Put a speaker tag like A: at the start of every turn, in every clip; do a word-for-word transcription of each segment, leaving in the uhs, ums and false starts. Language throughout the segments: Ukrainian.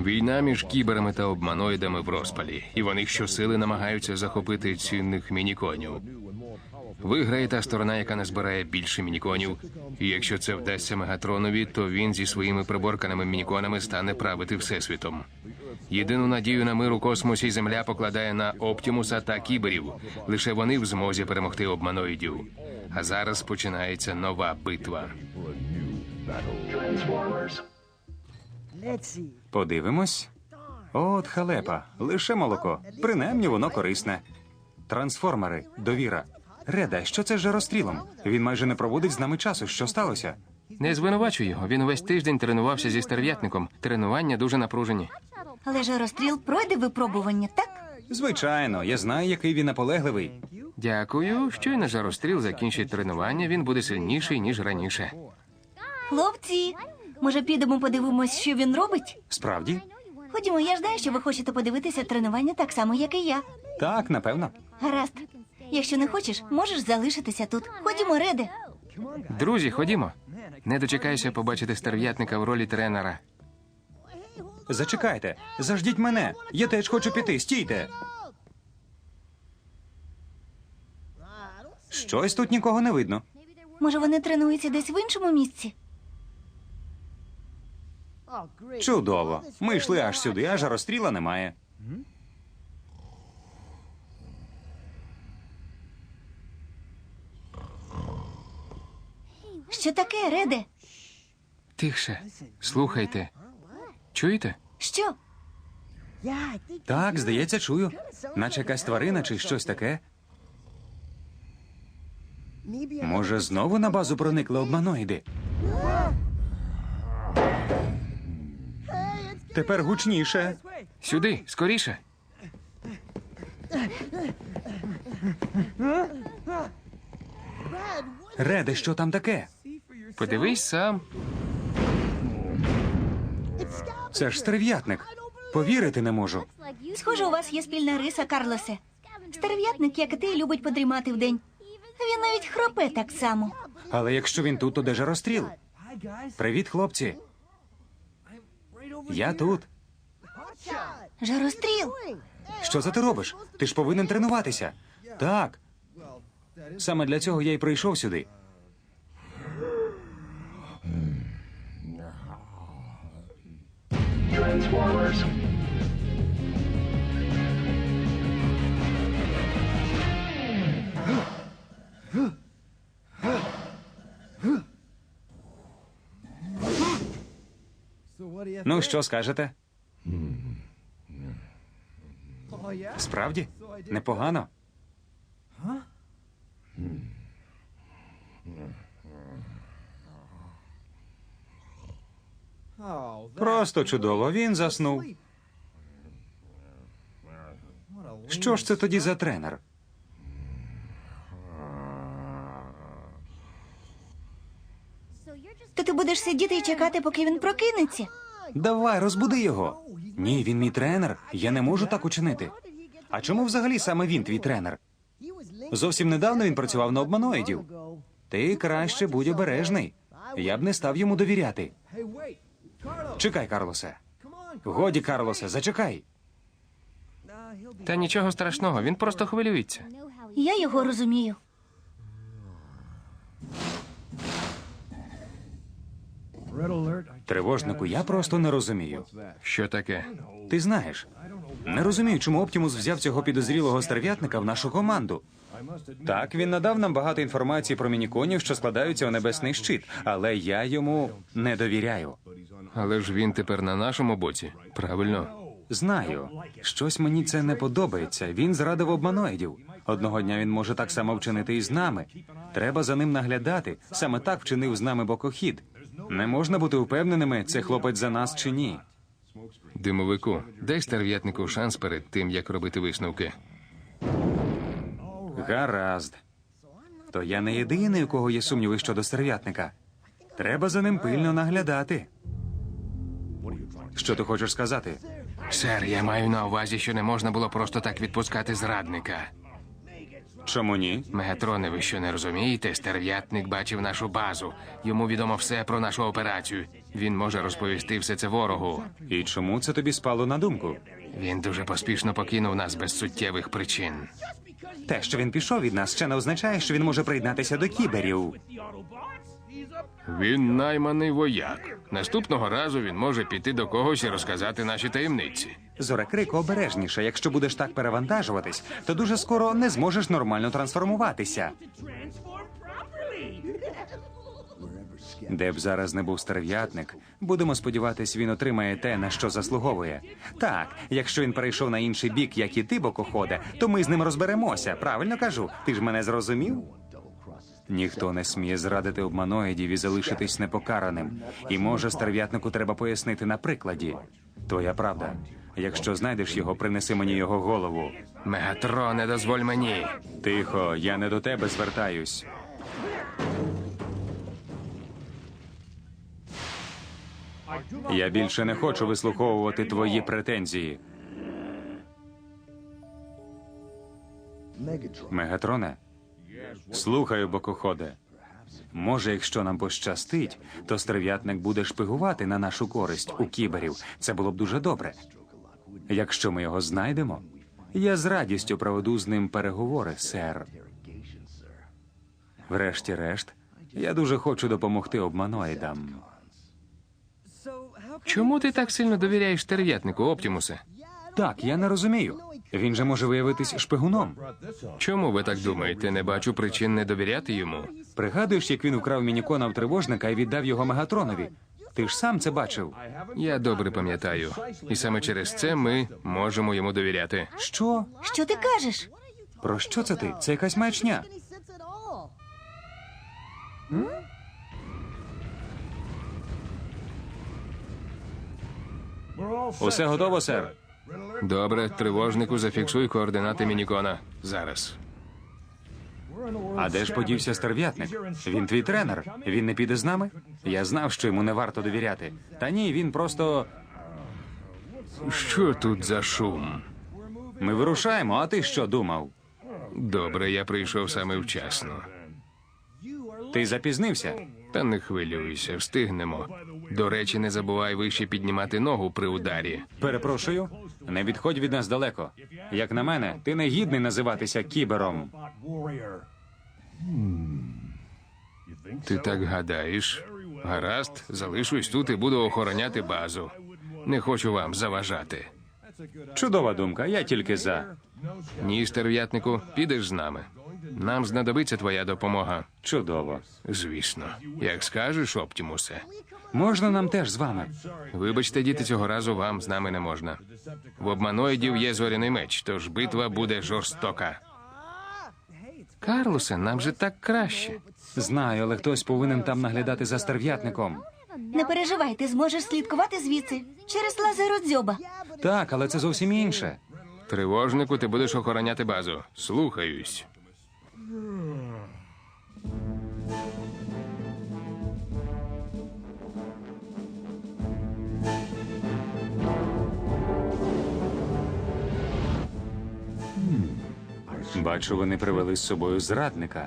A: Війна між кіберами та обманоїдами в розпалі, і вони щосили намагаються захопити цінних мініконів. Виграє та сторона, яка назбирає більше мініконів. І якщо це вдасться Мегатронові, то він зі своїми приборканими мініконами стане правити Всесвітом. Єдину надію на мир у космосі Земля покладає на Оптімуса та кіберів. Лише вони в змозі перемогти обманоїдів. А зараз починається нова битва.
B: Подивимось. От халепа. Лише молоко. Принаймні воно корисне. Трансформери. Довіра. Реда, що це з жарострілом? Він майже не проводить з нами часу. Що сталося?
A: Не звинувачуй його. Він увесь тиждень тренувався зі стерв'ятником. Тренування дуже напружені.
C: Але жаростріл пройде випробування, так?
B: Звичайно, я знаю, який він наполегливий.
A: Дякую. Щойно жаростріл закінчить тренування, він буде сильніший, ніж раніше.
C: Хлопці, може підемо подивимось, що він робить?
B: Справді?
C: Ходімо, я ж знаю, що ви хочете подивитися тренування так само, як і я.
B: Так, напевно.
C: Гаразд. Якщо не хочеш, можеш залишитися тут. Ходімо, Реде.
A: Друзі, ходімо. Не дочекайся побачити стерв'ятника в ролі тренера.
B: Зачекайте. Заждіть мене. Я теж хочу піти. Стійте. Щось тут нікого не видно.
C: Може, вони тренуються десь в іншому місці?
B: Чудово. Ми йшли аж сюди, а жаростріла немає.
C: Що таке, Реде?
A: Тихше. Слухайте. Чуєте?
C: Що?
B: Так, здається, чую. Наче якась тварина чи щось таке. Може, знову на базу проникли обманоїди? Тепер гучніше.
A: Сюди, скоріше.
B: Реде, що там таке?
A: Подивись сам.
B: Це ж стерв'ятник. Повірити не можу.
C: Схоже, у вас є спільна риса, Карлосе. Стерв'ятник, як і ти, любить подрімати вдень. Він навіть хропе так само.
B: Але якщо він тут, то де жаростріл? Привіт, хлопці. Я тут.
C: Жаростріл?
B: Що це ти робиш? Ти ж повинен тренуватися. Так. Саме для цього я й прийшов сюди. Ну, що скажете? Справді? Непогано? Просто чудово, він заснув. Що ж це тоді за тренер?
C: То ти будеш сидіти і чекати, поки він прокинеться?
B: Давай, розбуди його. Ні, він мій тренер. Я не можу так учинити. А чому взагалі саме він твій тренер? Зовсім недавно він працював на обманоїдів. Ти краще будь обережний. Я б не став йому довіряти. Чекай, Карлосе. Годі, Карлосе, зачекай.
A: Та нічого страшного, він просто хвилюється.
C: Я його розумію.
B: Тривожнику, я просто не розумію.
A: Що таке?
B: Ти знаєш, не розумію, чому Оптімус взяв цього підозрілого стерв'ятника в нашу команду. Так, він надав нам багато інформації про мініконів, що складаються у небесний щит, але я йому не довіряю.
A: Але ж він тепер на нашому боці. Правильно.
B: Знаю, щось мені це не подобається. Він зрадив обманоїдів. Одного дня він може так само вчинити і з нами. Треба за ним наглядати. Саме так вчинив з нами бокохід. Не можна бути впевненими, це хлопець за нас чи ні.
A: Димовику, дай стерв'ятнику шанс перед тим, як робити висновки.
B: Гаразд. То я не єдиний, у кого є сумніви щодо стерв'ятника. Треба за ним пильно наглядати. Що ти хочеш сказати?
A: Сер, я маю на увазі, що не можна було просто так відпускати зрадника.
B: Чому ні?
A: Мегатроне, ви що не розумієте? Стерв'ятник бачив нашу базу. Йому відомо все про нашу операцію. Він може розповісти все це ворогу.
B: І чому це тобі спало на думку?
A: Він дуже поспішно покинув нас без суттєвих причин.
B: Те, що він пішов від нас, ще не означає, що він може приєднатися до кіберів.
A: Він найманий вояк. Наступного разу він може піти до когось і розказати наші таємниці.
B: Зорекрико, обережніше. Якщо будеш так перевантажуватись, то дуже скоро не зможеш нормально трансформуватися. Де б зараз не був стерв'ятник, будемо сподіватись, він отримає те, на що заслуговує. Так, якщо він перейшов на інший бік, як і ти, бокоходе, то ми з ним розберемося. Правильно кажу? Ти ж мене зрозумів? Ніхто не сміє зрадити обманоїдів і залишитись непокараним. І може стерв'ятнику треба пояснити на прикладі. Твоя правда. Якщо знайдеш його, принеси мені його голову.
A: Мегатроне, дозволь мені.
B: Тихо, я не до тебе звертаюсь. Я більше не хочу вислуховувати твої претензії. Мегатроне? Слухаю, бокоходе. Може, якщо нам пощастить, то стерв'ятник буде шпигувати на нашу користь у кіберів. Це було б дуже добре. Якщо ми його знайдемо, я з радістю проведу з ним переговори, сер. Врешті-решт, я дуже хочу допомогти обманоїдам.
A: Чому ти так сильно довіряєш стерв'ятнику, Оптімусе?
B: Так, я не розумію. Він же може виявитись шпигуном.
A: Чому ви так думаєте? Не бачу причин не довіряти йому.
B: Пригадуєш, як він украв мінікона в тривожника і віддав його Мегатронові? Ти ж сам це бачив.
A: Я добре пам'ятаю. І саме через це ми можемо йому довіряти.
B: Що?
C: Що ти кажеш?
B: Про що це ти? Це якась маячня. Усе готово, сер.
A: Добре, тривожнику, зафіксуй координати мінікона. Зараз.
B: А де ж подівся стерв'ятник? Він твій тренер. Він не піде з нами? Я знав, що йому не варто довіряти. Та ні, він просто.
A: Що тут за шум?
B: Ми вирушаємо, а ти що думав?
A: Добре, я прийшов саме вчасно.
B: Ти запізнився?
A: Та не хвилюйся, встигнемо. До речі, не забувай вище піднімати ногу при ударі.
B: Перепрошую, не відходь від нас далеко. Як на мене, ти не гідний називатися кібером.
A: Ти так гадаєш? Гаразд, залишусь тут і буду охороняти базу. Не хочу вам заважати.
B: Чудова думка, я тільки за.
A: Ні, стерв'ятнику, підеш з нами. Нам знадобиться твоя допомога.
B: Чудово.
A: Звісно. Як скажеш, Оптімусе.
B: Можна нам теж з вами?
A: Вибачте, діти, цього разу вам з нами не можна. В обманоїдів є зоряний меч, тож битва буде жорстока. Карлосе, нам же так краще.
B: Знаю, але хтось повинен там наглядати за стерв'ятником.
C: Не переживай, ти зможеш слідкувати звідси через лазеродзьоба.
B: Так, але це зовсім інше.
A: Тривожнику, ти будеш охороняти базу. Слухаюсь.
B: Бачу, вони привели з собою зрадника.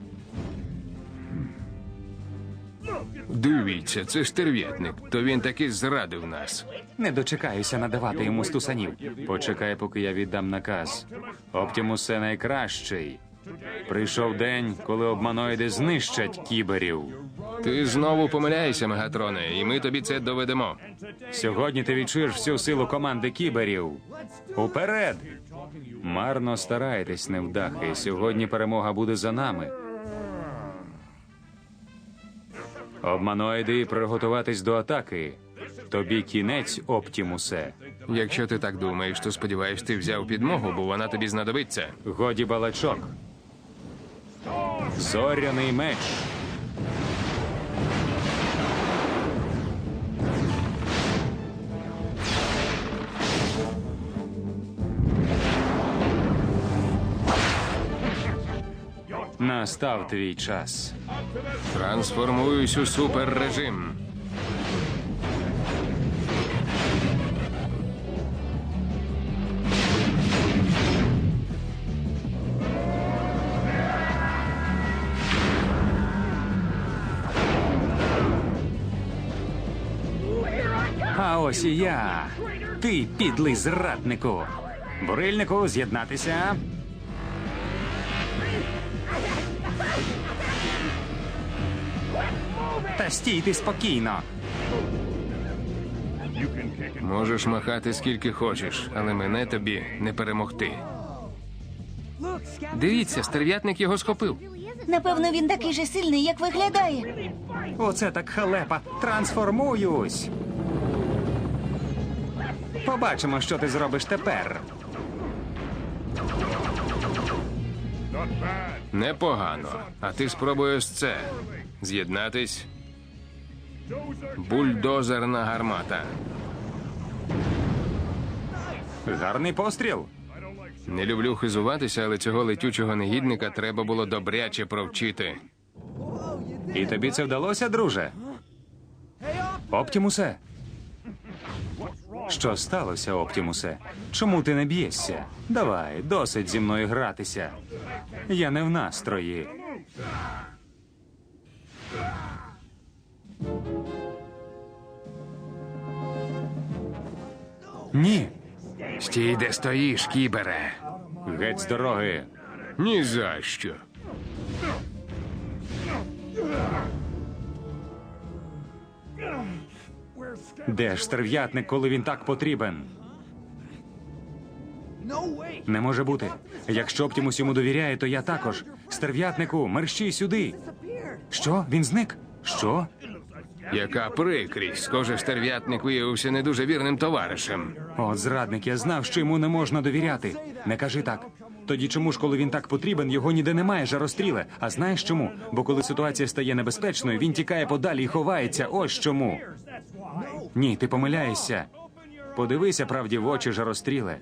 A: Дивіться, це стерв'ятник. То він таки зрадив нас.
B: Не дочекаюся надавати йому стусанів. Почекай, поки я віддам наказ. Оптімусе найкращий. Прийшов день, коли обманоїди знищать кіберів.
A: Ти знову помиляєшся, Мегатроне, і ми тобі це доведемо.
B: Сьогодні ти відчуєш всю силу команди кіберів. Уперед! Марно стараєтесь, невдахи. Сьогодні перемога буде за нами. Обманоїди, приготуватись до атаки. Тобі кінець, Оптімусе.
A: Якщо ти так думаєш, то сподіваюсь, ти взяв підмогу, бо вона тобі знадобиться.
B: Годі балачок. Зоряний меч. Настав твій час.
A: Трансформуюсь у суперрежим.
B: А ось і я. Ти підлий зраднику. Бурильнику, з'єднатися. Та стійте спокійно.
A: Можеш махати скільки хочеш, але мене тобі не перемогти. Дивіться, стерв'ятник його схопив.
C: Напевно, він такий же сильний, як виглядає.
B: Оце так халепа. Трансформуюсь. Побачимо, що ти зробиш тепер.
A: Непогано. А ти спробуй ось це. З'єднатись. Бульдозерна гармата.
B: Гарний постріл.
A: Не люблю хизуватися, але цього летючого негідника треба було добряче провчити.
B: І тобі це вдалося, друже? Оптімусе? Що сталося, Оптімусе? Чому ти не б'єшся? Давай, досить зі мною гратися. Я не в настрої. Ні,
A: Стій, де стоїш, кібере.
B: геть з дороги.
A: Ні за що.
B: Де ж стерв'ятник, коли він так потрібен? Не може бути. Якщо Оптімус йому довіряє, то я також. Стерв'ятнику, мерщій сюди. Що? Він зник? Що?
A: Яка прикрість. Схоже, стерв'ятник виявився не дуже вірним товаришем.
B: От зрадник, я знав, що йому не можна довіряти. Не кажи так. Тоді чому ж, коли він так потрібен, його ніде немає, жаростріле? А знаєш чому? Бо коли ситуація стає небезпечною, він тікає подалі і ховається. Ось чому. Ні, ти помиляєшся. Подивися правді в очі, жаростріле.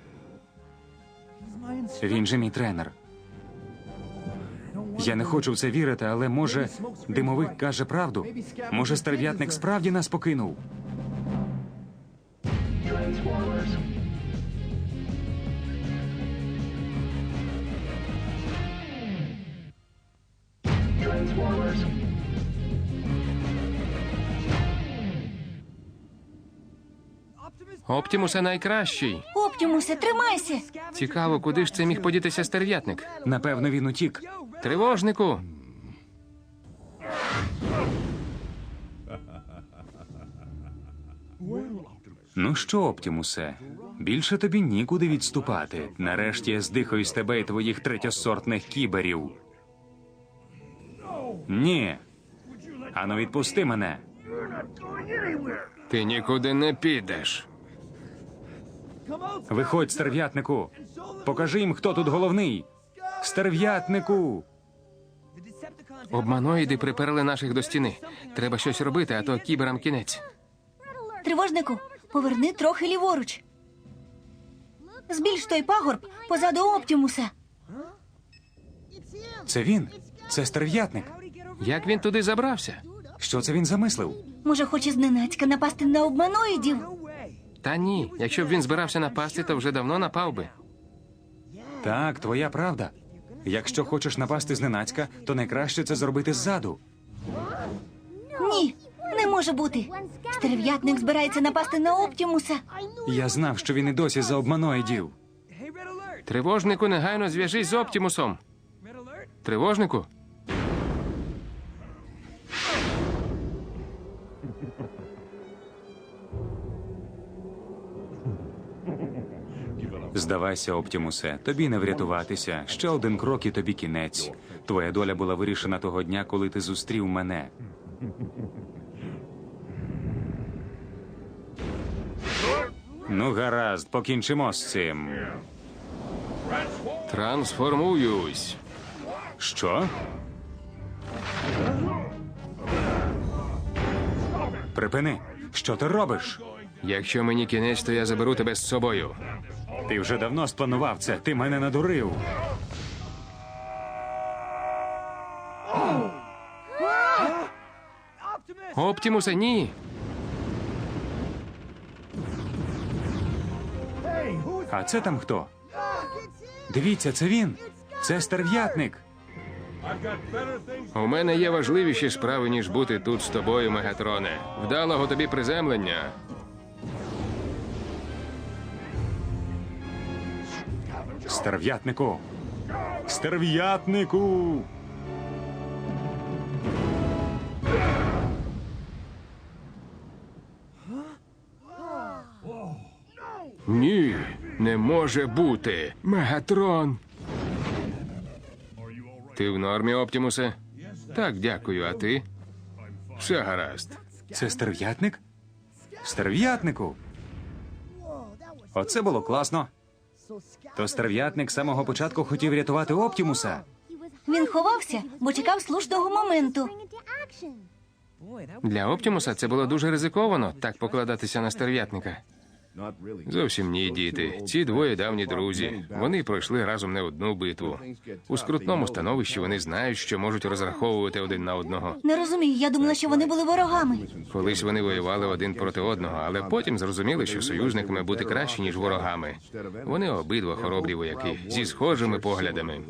B: Він же мій тренер. Я не хочу в це вірити, але може димовик каже правду? Може стерв'ятник справді нас покинув?
A: Оптімусе найкращий.
C: Оптімусе, тримайся!
A: Цікаво, куди ж це міг подітися стерв'ятник?
B: Напевно, він утік.
A: Тривожнику.
B: Ну що, Оптімусе, більше тобі нікуди відступати. Нарешті я здихаю з тебе і твоїх третьосортних кіберів. Ні. Ану, відпусти мене.
A: Ти нікуди не підеш.
B: Виходь, стерв'ятнику. Покажи їм, хто тут головний. Стерв'ятнику.
A: Обманоїди приперли наших до стіни. Треба щось робити, а то кіберам кінець.
C: Тривожнику, поверни трохи ліворуч. Збільш той пагорб позаду Оптімуса.
B: Це він. Це стерв'ятник.
A: Як він туди забрався?
B: Що це він замислив?
C: Може, хоче зненацька напасти на обманоїдів?
A: Та ні, якщо б він збирався напасти, то вже давно напав би.
B: Так, твоя правда. Якщо хочеш напасти зненацька, то найкраще це зробити ззаду.
C: Ні, не може бути. Стерв'ятник збирається напасти на Оптімуса.
B: Я знав, що він і досі за обманоїдів.
A: Тривожнику, негайно зв'яжись з Оптімусом. Тривожнику?
B: Здавайся, Оптімусе, тобі не врятуватися. Ще один крок і тобі кінець. Твоя доля була вирішена того дня, коли ти зустрів мене. Ну, гаразд, покінчимо з цим.
A: Трансформуюсь.
B: Що? Припини. Що ти робиш?
A: Якщо мені кінець, то я заберу тебе з собою.
B: Ти вже давно спланував це. Ти мене надурив.
A: Оптімусе, ні.
B: А це там хто? Дивіться, це він. Це стерв'ятник.
A: У мене є важливіші справи, ніж бути тут з тобою, Мегатроне. Вдалого тобі приземлення.
B: Стерв'ятнику! Стерв'ятнику!
A: Ні, не може бути. Мегатрон. Ти в нормі, Оптімусе? Так, дякую, а ти? Все гаразд.
B: Це стерв'ятник? Стерв'ятнику! Оце було класно. То стерв'ятник з самого початку хотів рятувати Оптімуса.
C: Він ховався, бо чекав слушного моменту.
A: Для Оптімуса це було дуже ризиковано так покладатися на стерв'ятника. Зовсім ні, діти. Ці двоє давні друзі. Вони пройшли разом не одну битву. У скрутному становищі вони знають, що можуть розраховувати один на одного.
C: Не розумію, я думала, що вони були ворогами.
A: Колись вони воювали один проти одного, але потім зрозуміли, що союзниками бути краще, ніж ворогами. Вони обидва хоробрі вояки зі схожими поглядами.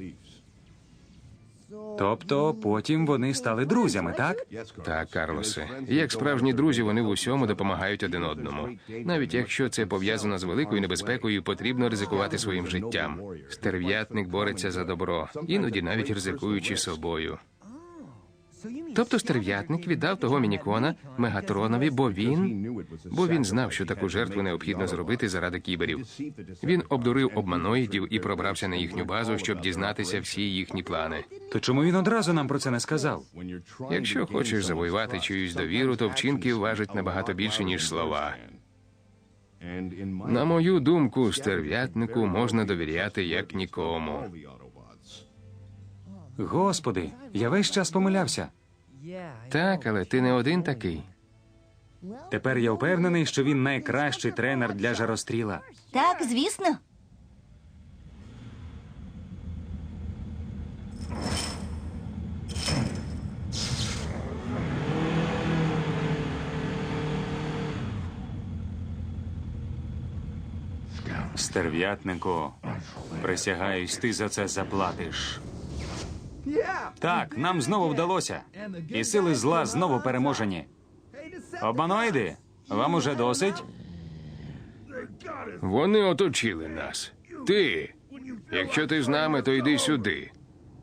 B: Тобто потім вони стали друзями, так?
A: Так, Карлосе. Як справжні друзі, вони в усьому допомагають один одному. Навіть якщо це пов'язано з великою небезпекою, потрібно ризикувати своїм життям. Стерв'ятник бореться за добро, іноді навіть ризикуючи собою. Тобто стерв'ятник віддав того мінікона Мегатронові, бо він... Бо він знав, що таку жертву необхідно зробити заради кіберів. Він обдурив обманоїдів і пробрався на їхню базу, щоб дізнатися всі їхні плани.
B: То чому він одразу нам про це не сказав?
A: Якщо хочеш завоювати чиюсь довіру, то вчинки важать набагато більше, ніж слова. На мою думку, стерв'ятнику можна довіряти як нікому.
B: Господи, я весь час помилявся.
A: Так, але ти не один такий.
B: Тепер я впевнений, що він найкращий тренер для жаростріла.
C: Так, звісно.
B: Стерв'ятнику, присягаюсь, ти за це заплатиш. Так, нам знову вдалося. І сили зла знову переможені. Обманоїди, вам уже досить?
A: Вони оточили нас. Ти. Якщо ти з нами, то йди сюди.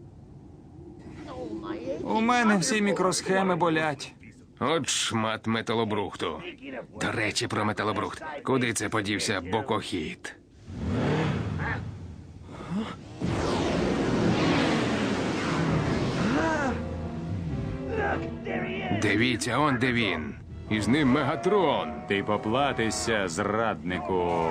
B: У мене всі мікросхеми болять.
A: От шмат металобрухту. До речі, про металобрухт. Куди це подівся бокохід? Дивіться, он де він. І з ним Мегатрон.
B: Ти поплатишся, зраднику.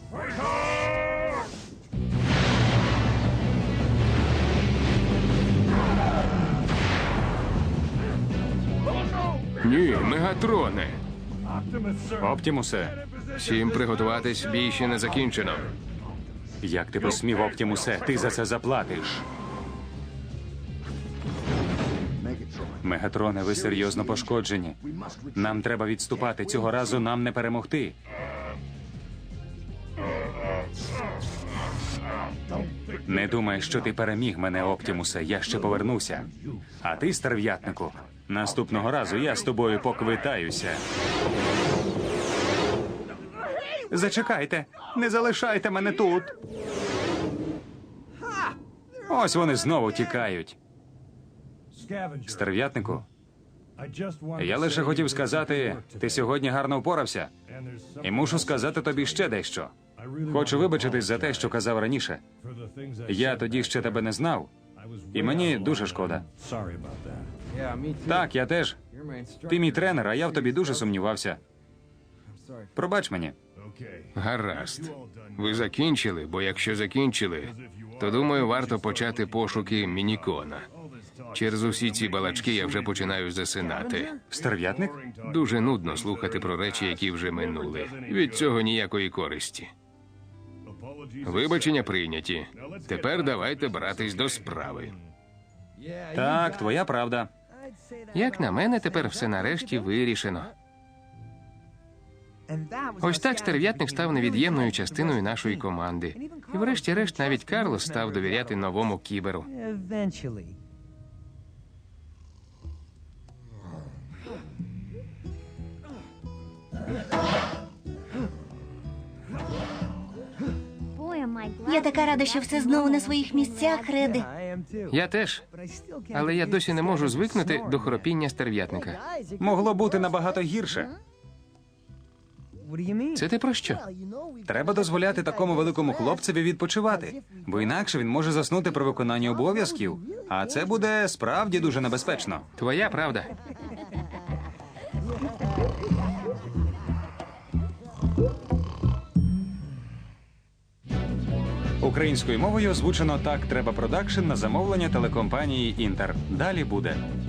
A: Ні, Мегатроне.
B: Оптімусе,
A: Всім приготуватись, бій ще не закінчено.
B: як ти посмів, Оптімусе, ти за це заплатиш. Мегатроне, ви серйозно пошкоджені. Нам треба відступати. Цього разу нам не перемогти. Не думай, що ти переміг мене, Оптімусе. Я ще повернуся. А ти, стерв'ятнику, наступного разу я з тобою поквитаюся. Зачекайте, не залишайте мене тут. Ось вони знову тікають. Стерв'ятнику, я лише хотів сказати, ти сьогодні гарно впорався. І мушу сказати тобі ще дещо. Хочу вибачитись за те, що казав раніше. Я тоді ще тебе не знав, і мені дуже шкода. Так, я теж. Ти мій тренер, а я в тобі дуже сумнівався. Пробач мені.
A: Гаразд. Ви закінчили, бо якщо закінчили, то, думаю, варто почати пошуки мінікона. Через усі ці балачки я вже починаю засинати.
B: Стерв'ятник?
A: Дуже нудно слухати про речі, які вже минули. Від цього ніякої користі. Вибачення прийняті. Тепер давайте братись до справи.
B: Так, твоя правда.
A: Як на мене, тепер все нарешті вирішено. Ось так стерв'ятник став невід'ємною частиною нашої команди. І врешті-решт навіть Карлос став довіряти новому кіберу.
D: Eventually.
C: Я Я така рада, що все знову на своїх місцях, Реде.
A: Я теж. Але я досі не можу звикнути до хропіння стерв'ятника.
B: Могло бути набагато гірше.
A: Це ти про що?
B: Треба дозволяти такому великому хлопцеві відпочивати, бо інакше він може заснути при виконанні обов'язків, а це буде справді дуже небезпечно.
A: Твоя правда.
B: Українською мовою озвучено «Так треба продакшн» на замовлення телекомпанії «Інтер». Далі буде.